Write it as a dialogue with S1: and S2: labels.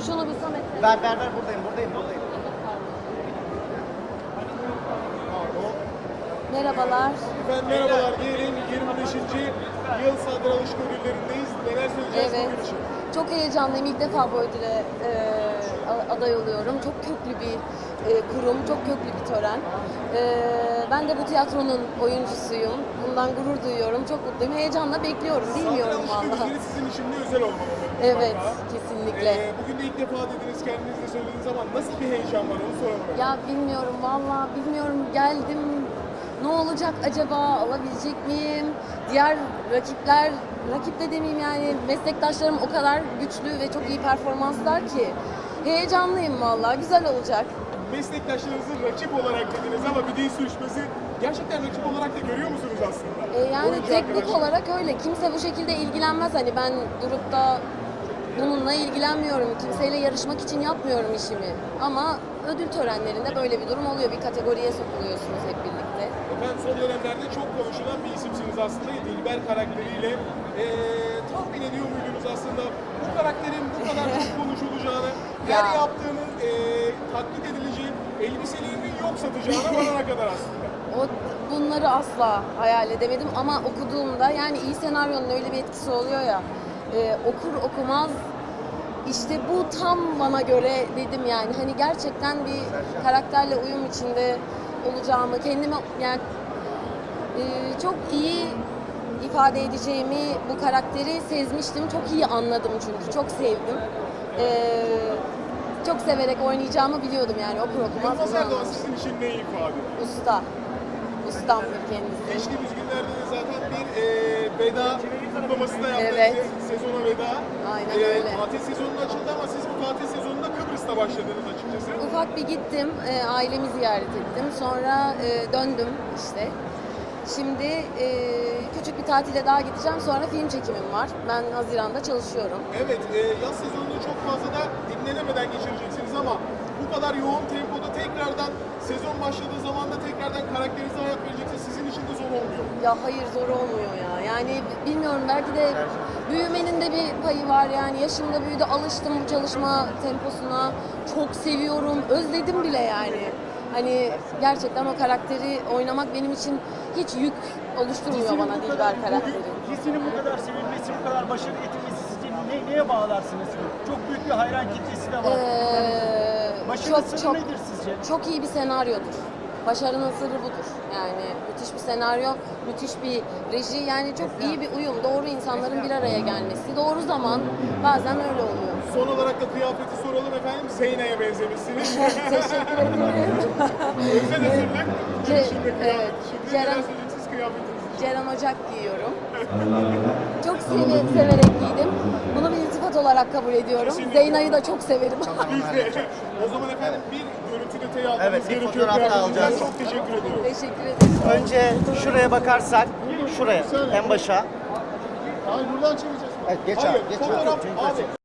S1: şunu bir Samet'e.
S2: Ver buradayım.
S1: Merhabalar.
S3: Efendim merhabalar diyelim, 25. yıl Sadri Alışık ödüllerindeyiz. Neler söyleyeceğiz
S1: Evet.
S3: bugün için?
S1: Çok heyecanlıyım. İlk defa bu ödüle aday oluyorum. Çok köklü bir kurum, çok köklü bir tören. Ben de bu tiyatronun oyuncusuyum. Bundan gurur duyuyorum. Çok mutluyum. Heyecanla bekliyorum. Bilmiyorum
S3: Sadri Alışık
S1: vallahi.
S3: ödülleri sizin için de özel olmalı.
S1: Evet, kesinlikle.
S3: Bugün de ilk defa dediniz, kendiniz de söylediğiniz zaman nasıl bir heyecan var onu soralım.
S1: Ya bilmiyorum vallahi bilmiyorum, geldim. Ne olacak acaba? Alabilecek miyim? Diğer rakip de demeyeyim yani, meslektaşlarım o kadar güçlü ve çok iyi performanslar ki. Heyecanlıyım vallahi, güzel olacak.
S3: Meslektaşlarınızı rakip olarak dediniz ama bir dil sürüşmesi gerçekten rakip olarak da görüyor musunuz aslında?
S1: Yani
S3: Oyuncu
S1: teknik
S3: arkadaşlar.
S1: olarak öyle. Kimse bu şekilde ilgilenmez. Hani ben durup da bununla ilgilenmiyorum. Kimseyle yarışmak için yapmıyorum işimi. Ama ödül törenlerinde böyle bir durum oluyor. Bir kategoriye sokuluyorsunuz hep birlikte.
S3: Efendim son dönemlerde çok konuşulan bir isimsiniz aslında. Dilber karakteriyle tahmin ediyor muydunuz aslında bu karakterin bu kadar çok konuşulacağını, her
S1: Ya.
S3: yaptığının taklit edileceği, elbiselerinin yok satacağına varana kadar aslında.
S1: Bunları asla hayal edemedim ama okuduğumda, yani iyi senaryonun öyle bir etkisi oluyor ya, okur okumaz işte bu tam bana göre dedim yani. Hani gerçekten bir karakterle uyum içinde olacağımı, kendimi yani çok iyi ifade edeceğimi, bu karakteri sezmiştim. Çok iyi anladım çünkü. Çok sevdim. Çok severek oynayacağımı biliyordum yani, okur okumaz
S3: Yılmaz
S1: bunu
S3: Erdoğan
S1: anlamıştım.
S3: sizin için ne ifade?
S1: Usta. Ustamdır kendisi.
S3: Geçtiğimiz günlerde de zaten bir veda kutlaması da yaptınız.
S1: Evet.
S3: Sezona veda.
S1: Aynen öyle.
S3: Tatil sezonu açıldı ama siz bu tatil sezonunda Kıbrıs'ta başladınız açıkçası.
S1: Ufak bir gittim, ailemi ziyaret ettim. Sonra döndüm işte. Şimdi küçük bir tatile daha gideceğim. Sonra film çekimim var. Ben Haziran'da çalışıyorum.
S3: Evet, yaz sezonunu çok fazla da dinlenemeden geçireceksiniz ama bu kadar yoğun tempoda tekrardan sezon başladığı zaman da tekrardan karakterinize hayat vereceksiniz. Sizin için de zor olmuyor.
S1: Ya hayır, zor olmuyor ya. Yani bilmiyorum, belki de büyümenin de bir payı var yani. Yaşım da büyüdü, alıştım bu çalışma temposuna. Çok seviyorum, özledim bile yani. Hani gerçekten o karakteri oynamak benim için hiç yük oluşturmuyor bana Dilber karakteri.
S2: Dizinin bu kadar sevilmesi, bu kadar başarı getirmesi sizce neye bağlarsınız? Çok büyük bir hayran kitlesi de var. Başarı sırrı nedir sizce?
S1: Çok iyi bir senaryodur. Başarının sırrı budur. Yani müthiş bir senaryo, müthiş bir reji, yani çok iyi bir uyum, doğru insanların bir araya gelmesi, doğru zaman, bazen öyle oluyor.
S3: Son olarak da kıyafeti soralım efendim. Zeyna'ya benzemişsiniz.
S1: Teşekkür ederim.
S3: Özel hazırlık.
S1: Ce-
S3: Şimdi kıyafet.
S1: evet.
S3: Şimdi
S1: Ceren-
S3: neler söyleyeceksiniz kıyafetiniz için?
S1: Ceren Ocak giyiyorum. Çok severek giydim. Bunu bir iltifat olarak kabul ediyorum.
S3: Kesinlikle.
S1: Zeyna'yı da çok severim.
S3: Biz de. O zaman efendim bir görüntü detayı almamız
S2: Evet, bir
S3: gerekiyor.
S2: fotoğraf da
S3: Kıyafetinizden.
S2: alacağız.
S3: Çok teşekkür ediyorum.
S1: Teşekkür ederim.
S2: Önce şuraya bakarsak, şuraya, en başa.
S3: Hayır buradan çevireceğiz.
S2: Evet, geç
S3: Hayır,
S2: abi, geç.
S3: fotoğraf
S2: Çünkü
S3: abi.